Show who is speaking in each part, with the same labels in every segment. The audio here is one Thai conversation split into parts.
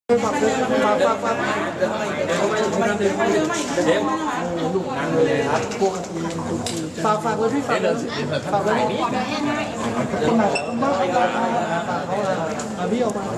Speaker 1: ฝากเบอร์พี่ฝากเลยฝากเลยคนไหนบ้างพี่ออกมา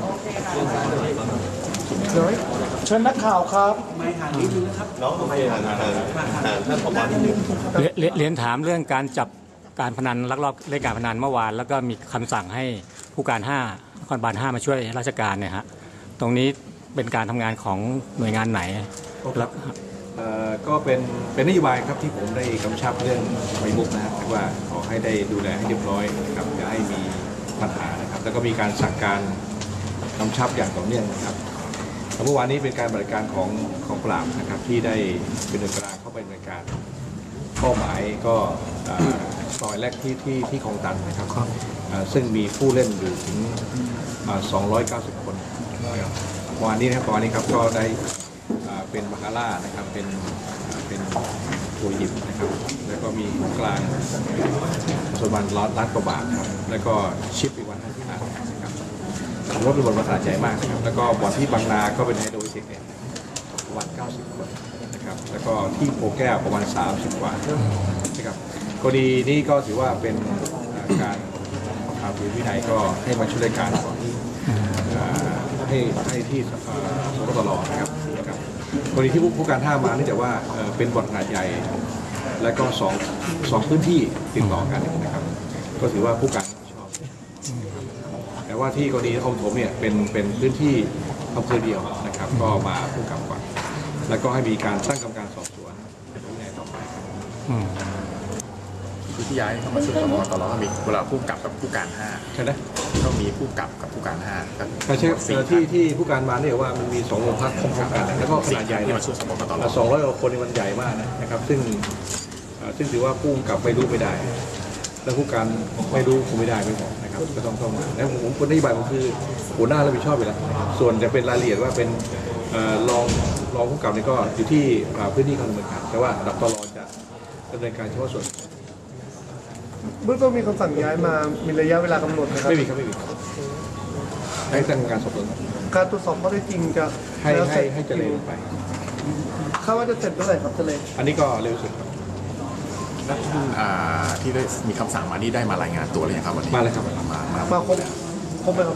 Speaker 1: เดี๋ยวเชิญนักข่าวครับ
Speaker 2: น้องโอเคท่านผบ.นิดนึง
Speaker 3: เรียนถามเรื่องการจับการพนันลักลอบเล่นการพนันเมื่อวานแล้วก็มีคำสั่งให้ผู้การ5นครบาล5มาช่วยราชการเนี่ยฮะตรงนี้เป็นการทำงานของหน่วยงานไหนแล้ว
Speaker 2: ก็เป็นนโยบายครับที่ผมได้กำชับเรื่องไฟมุกนะครับว่าขอให้ได้ดูแลให้เรียบร้อยนะครับอย่าให้มีปัญหานะครับแล้วก็มีการสั่งการกำชับอย่างต่อเนื่องนะครับเมื่อวานนี้เป็นการบริการของปราบนะครับที่ได้เป็นหน่วยกลางเข้าไปดำเนินการเป้าหมายก็ซอยแรกที่คลองตันนะครับซึ่งมีผู้เล่นอยู่ถึง290 คนวันนี้นะครับตอนนี้ครับก็ได้เป็นบาคาร่านะครับเป็นตัวหยิบนะครับแล้วก็มีของกลางส่วนวันล้านกว่าบาทครับแล้วก็ชิปอีกวันที่5นะครับรถเป็นบอลภาษาใจมากนะครับแล้วก็บอลที่บางนาก็เป็นไฮโดรเทคเนี่ยวัน90 คนนะครับแล้วก็ที่โพแก้วประมาณ30 กว่านะครับกรณีนี้ก็ถือว่าเป็นการทำวินัยก็ให้มาช่วยการให้ที่สปตรนะครับกรณีที่ผู้การท่ามาเนื่องจากว่าเป็นบ่อนขนาดใหญ่และก็สองพื้นที่ติดต่อกันนะครับก็ถือว่าผู้การชอบแต่ว่าที่กรณีคลองถมเนี่ยเป็นพื้นที่อำเภอเดียวนะครับก็มาผู้กำกับแล้วก็ให้มีการตั้งกรรมการสอบสวนเป็นผู้ใหญ่ต่อไป
Speaker 4: คือที่ย้ายเข้ามาช่วยสปตรก็มีเวลาผู้กำกับผู้การ5
Speaker 2: ใช่ไหม
Speaker 4: ก็มีผู้กำกับผู้การ5
Speaker 2: แต่ใช่ที่ผู้การมาเนี่ยว่ามันมี2 โรงพักพร้อมกันแล้วก็ขนาดใหญ่
Speaker 4: ที่มาช่วยสปตร
Speaker 2: 200 กว่าคนนี่มันใหญ่มากนะครับซึ่งถือว่าผู้กำกับไม่รู้ไม่ได้แล้วผู้การไม่รู้คงไม่ได้ไม่บอกนะครับก็ต้องมาแล้วผมคนนโยบายผมคือหัวหน้ารับผิดชอบอยู่แล้วส่วนจะเป็นรายละเอียดว่าเป็นรองผู้กำกับนี่ก็อยู่ที่พื้นที่การดำเนินการแต่ว่าดับตลอจะดำเนินการเฉพาะส่วน
Speaker 1: เบื้องต้นมีคำสั่งย้ายมามีระยะเวลากำหนดนะครับ
Speaker 2: ไม่มีครับไม่มีให้ตั้งการสอบสวน
Speaker 1: การตรวจสอบข้อเท็จจริงจะ
Speaker 2: ให้เจริญไป
Speaker 1: คาดว่าจะเสร็จเมื่อไหร่ครับเจริญ
Speaker 2: อันนี้ก็เร็วสุดครับ
Speaker 4: ที่ได้มีคำสั่งมานี่ได้มารายงานตัวหรือยังครับวันนี้
Speaker 2: มาเลยครับ
Speaker 1: มาครบไหมครับ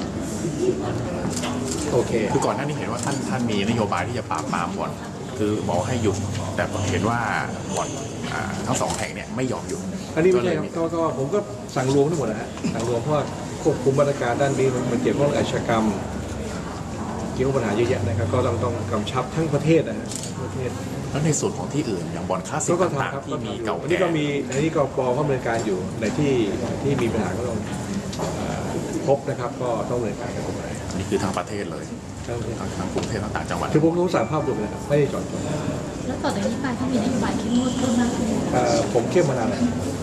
Speaker 2: โอเค
Speaker 4: คือก่อนหน้านี้เห็นว่าท่านมีนโยบายที่จะปราบปรามบ่อนคือบอกให้หยุดแต่เห็นว่าบ่อนทั้ง2 แห่งเนี่ยไม่ยอมหยุด
Speaker 2: อันนี้ไม่ใช่ครับก็ผมก็สั่งรวมทั้งหมดนะฮะสั่งรวมเพราะควบคุมมาตรการด้านนี้มันเกี่ยวข้องกับอาชญากรรมเกี่ยวกับปัญหาเยอะแยะนะครับก็ต้องกำชับทั้งประเทศนะฮะประเทศ
Speaker 4: แล้วในส่วนของที่อื่นอย่างบ่อนคลาสสิกต่างๆที่มีเก่าแก่
Speaker 2: อันนี้ก็ปอเขาดำเนินการอยู่ในที่มีปัญหาก็ต้องพบนะครับก็ต้องดำเนินการกันไป
Speaker 4: นี่คือทางประเทศเลยทั้งกรุงเทพต่างจังหวัด
Speaker 2: คือผมรู้สารภาพรวมนะครับไม่ได้จอดจง
Speaker 5: แล้วต่อจากนี้ไปถ้ามีนโยบายเข้มงวดเพิ่มมากขึ้น
Speaker 2: ผมเข้มมานานแล้ว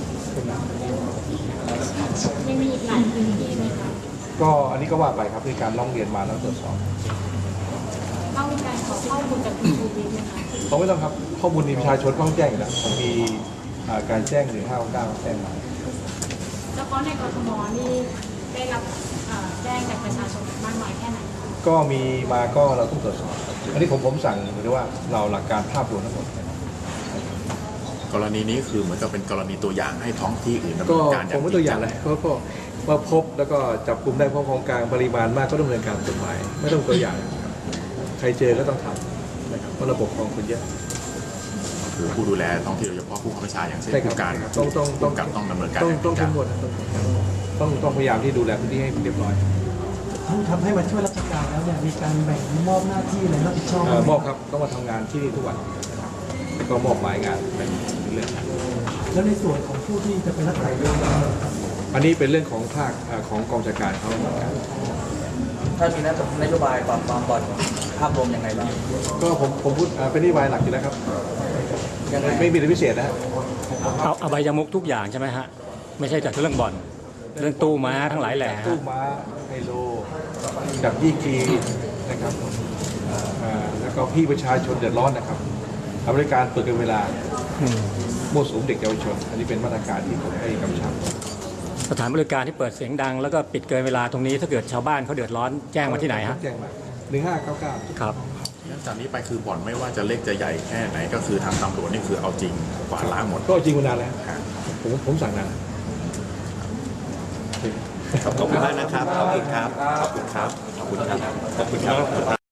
Speaker 5: ยังมีอีกหลายพื้นที่ไหมคะ
Speaker 2: ก็อันนี้ก็ว่าไปครับมีการร้องเรียนมาแล้วตรวจสอบ
Speaker 5: ต้องมีการขอข้อมูลจากคุณชูวิทย์ไหมคะ
Speaker 2: เขาไม่ต้องครับข้อมูลประชาชนต้องแจ้งอยู่แล้วผมมีการแจ้ง1599แจ้งมา
Speaker 5: เฉพาะในกทมนี่ได้รับแจ้งจากประชาชนมากน้อยแค่ไหน
Speaker 2: ก็มีมาก็เราต้องตรวจสอบอันนี้ผมสั่งหรือว่าเราหลักการภาพรวมทั้งหมด
Speaker 4: กรณีนี้คือเหมือนกับเป็นกรณีตัวอย่างให้ท้องที่อื่นดำเนินการ
Speaker 2: ผมไม่ตัวอย่างเลยเพราะว่าพบแล้วก็จับกลุ่มได้เพราะของกลางปริมาณมากก็ดำเนินการกฎหมายไม่ต้องตัวอย่างใครเจอก็ต้องทำนะครับเพราะระบบของคนเยอะ
Speaker 4: คือผู้ดูแลท้องที่โดยเฉพาะผู้บังคับบัญชาอย่างเช่นผู้การต้องดำเนินการ
Speaker 2: ต้องเข้มงวดต้องพยายามที่ดูแลพื้นที่ให้เรียบร้อย
Speaker 1: ทำให้มาช่วยราชการแล้วเนี่ยมีการแบ่งมอบหน้าที่อะไรรับผิดชอบ
Speaker 2: มอบครับต้องมาทำงานที่นี่ทุกวันก็มอบหมายงานเป็นเรื่อง
Speaker 1: แล้วในส่วนของผู้ที่จะเป็นนักไต่เรื่อง
Speaker 2: อันนี้เป็นเรื่องของภาคของกองจัดการเขาเหมือนกัน
Speaker 6: ถ้ามีนโยบายปราบปรามบ่อนภาพรวมยังไงบ้าง
Speaker 2: ก็ผมพูดเป็นนโยบายหลักอยู่แล้วครับไม่มีอะไรพิเศษนะ
Speaker 3: เอาใบยมุกทุกอย่างใช่ไหมฮะไม่ใช่แต่เรื่องบ่อนเรื่องตู้ม้าทั้งหลายแหล่
Speaker 2: ตู้ม้าไฮโลกับยี่กีนะครับแล้วก็พี่ประชาชนเดือดร้อนนะครับบริการเปิดเกินเวลามั่วสุมเด็กเยาวชนอันนี้เป็นมาตรการที่ผมให้กำชับ
Speaker 3: สถานบริการที่เปิดเสียงดังแล้วก็ปิดเกินเวลาตรงนี้ถ้าเกิดชาวบ้านเขาเดือดร้อนแจ้งมาที่ไหนฮะ
Speaker 2: แจ้งมา 1599
Speaker 3: ครับ
Speaker 4: งั้นจากนี้ไปคือบ่อนไม่ว่าจะเล็กจะใหญ่แค่ไหนก็คือทางตำรวจนี่คือเอาจริงกวาดล้างหมด
Speaker 2: ก็จริงมานานแล้ว
Speaker 4: ครับ
Speaker 2: ผมสั่งนาน
Speaker 7: ขอบคุณมากนะครับ ขอบคุณครับ ขอบคุณครับ ขอบคุณครับ